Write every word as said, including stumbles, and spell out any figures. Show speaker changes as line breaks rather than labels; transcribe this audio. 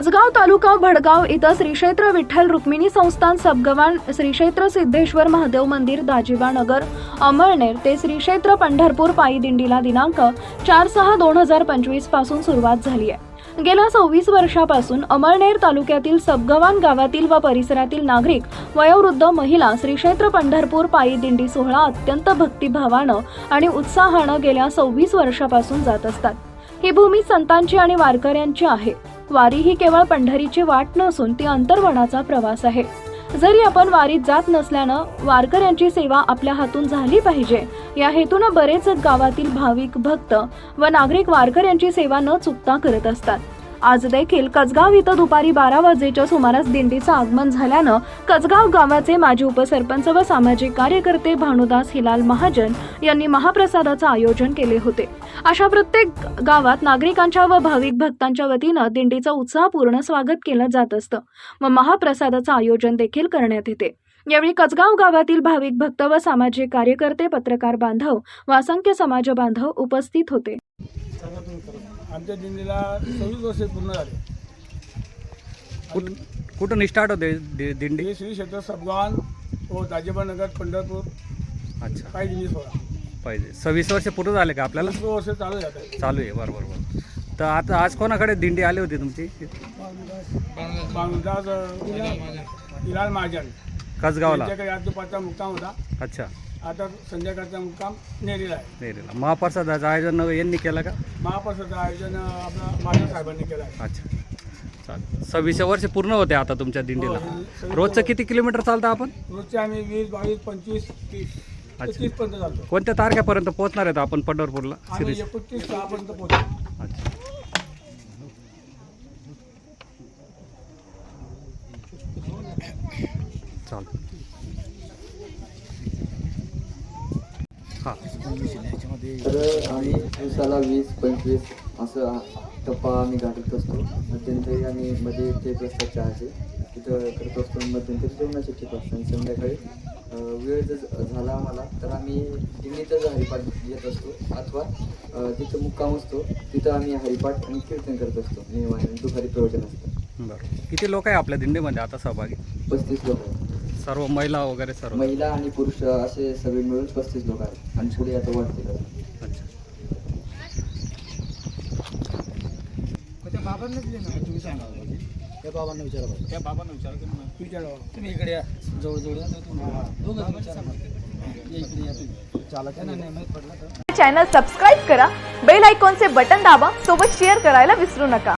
कसगाव तालुका भडगाव इथं श्री क्षेत्र विठ्ठल रुक्मिणी संस्थान सबगवान श्री क्षेत्र सिद्धेश्वर महादेव मंदिर दाजिबा नगर अमळनेर ते श्री क्षेत्र पंढरपूर पायी दिंडीला दिनांक चार सहा दोन हजार पंचवीस पासून सुरुवात झाली आहे। गेल्या सव्वीस वर्षापासून अमळनेर तालुक्यातील सबगवान गावातील व परिसरातील नागरिक वयोवृद्ध महिला श्री क्षेत्र पंढरपूर पायी दिंडी सोहळा अत्यंत भक्तिभावानं आणि उत्साहानं गेल्या सव्वीस वर्षापासून जात असतात। ही भूमी संतांची आणि वारकऱ्यांची आहे। वारी ही केवळ पंढरीची वाट नसून ती अंतर्वनाचा प्रवास आहे। जरी आपण वारीत जात नसल्यानं वारकऱ्यांची सेवा आपल्या हातून झाली पाहिजे या हेतून बरेच गावातील भाविक भक्त व नागरिक वारकऱ्यांची सेवा न चुकता करत असतात। आज देखील कसगाव इथं दुपारी बारा वाजेच्या सुमारास दिंडीचं आगमन झाल्यानं कसगाव गावाचे माजी उपसरपंच व सामाजिक कार्यकर्ते भानुदास हिलाल महाजन यांनी महाप्रसादाचं आयोजन केले होते। अशा प्रत्येक गावात नागरिकांच्या व भाविक भक्तांच्या वतीनं दिंडीचं उत्साहपूर्ण स्वागत केलं जात असतं व महाप्रसादाचं आयोजन देखील करण्यात येते। यावेळी कसगाव गावातील भाविक भक्त व सामाजिक कार्यकर्ते, पत्रकार बांधव व असंख्य समाज बांधव उपस्थित होते।
आमच्या दिंडीला सव्वीस वर्षे पूर्ण झाले।
कुठून स्टार्ट होते दिंडी?
श्री क्षेत्र सबगवान व दाजिबा नगर पंढरपूर
अच्छा
पायी दिंडी सोहळा
पाहिजे। सव्वीस वर्ष पूर्ण झाले का आपल्याला?
वीस वर्ष चालू जात आहे
चालू आहे, बरोबर बरोबर। तर आता आज कोणाकडे दिंडी आली होती तुमची?
भानुदास हिलाल महाजन
कसगावला।
त्यांच्याकडे आज दुपारचा मुक्काम होता।
अच्छा,
आता संध्याकाळचा मुक्काम नेरीला आहे।
नेरीला महाप्रसादाचं आयोजन यांनी केलं का?
महाप्रसादाचं आयोजन आपला माझ्या साहेबांनी केलं आहे।
अच्छा, चालेल। सव्वीस वर्ष पूर्ण होते आता तुमच्या दिंडीला।
हो,
रोजचं किती किलोमीटर चालतं आपण?
रोजचे आम्ही वीस बावीस पंचवीस तीस तीस पर्यंत चालतो।
कोणत्या तारखेपर्यंत पोहोचणार आहेत आपण पंढरपूरला?
आम्ही एकोणतीस सहा पर्यंत पोहोचतो।
अच्छा, चालेल। हां,
तर आम्ही दिवसाला वीस पंचवीस असं टप्पा आम्ही गाठत असतो। मध्यंतरी आम्ही मध्ये ठेप रस्ता चहाचे तिथं करत असतो, मध्यंतरी जेवणाचे ठेप असतात। आणि संध्याकाळी वेळ जर झाला आम्हाला तर आम्ही दिंडीतच हरिपाठ घेत असतो अथवा जिथं मुक्काम असतो तिथं आम्ही हरिपाठ आणि कीर्तन करत असतो नियमाने। दुपारी प्रवचन असतं।
बरं। किती लोक आहे आपल्या दिंडीमध्ये आता सहभागी?
पस्तीस लोक आहेत।
सर्व महिला वगैरे सर्व?
महिला आणि पुरुष असे सगळे मिळून पस्तीस लोक आहेत आणि पुढे आता वाढतील।
अच्छा,
त्या बाबांना दिले ना तुम्ही सांगा। त्या बाबांना विचारा बघा। त्या बाबांना विचारा तुम्ही विचारा तुम्ही इकडे या, जवळ जवळ या दोघं विचारा इकडे या तुम्ही। चालत नाही नाही माहित पडला तर
चॅनल सबस्क्राइब करा, बेल आयकॉनचे बटन दाबा, सोबत शेअर करायला विसरू नका।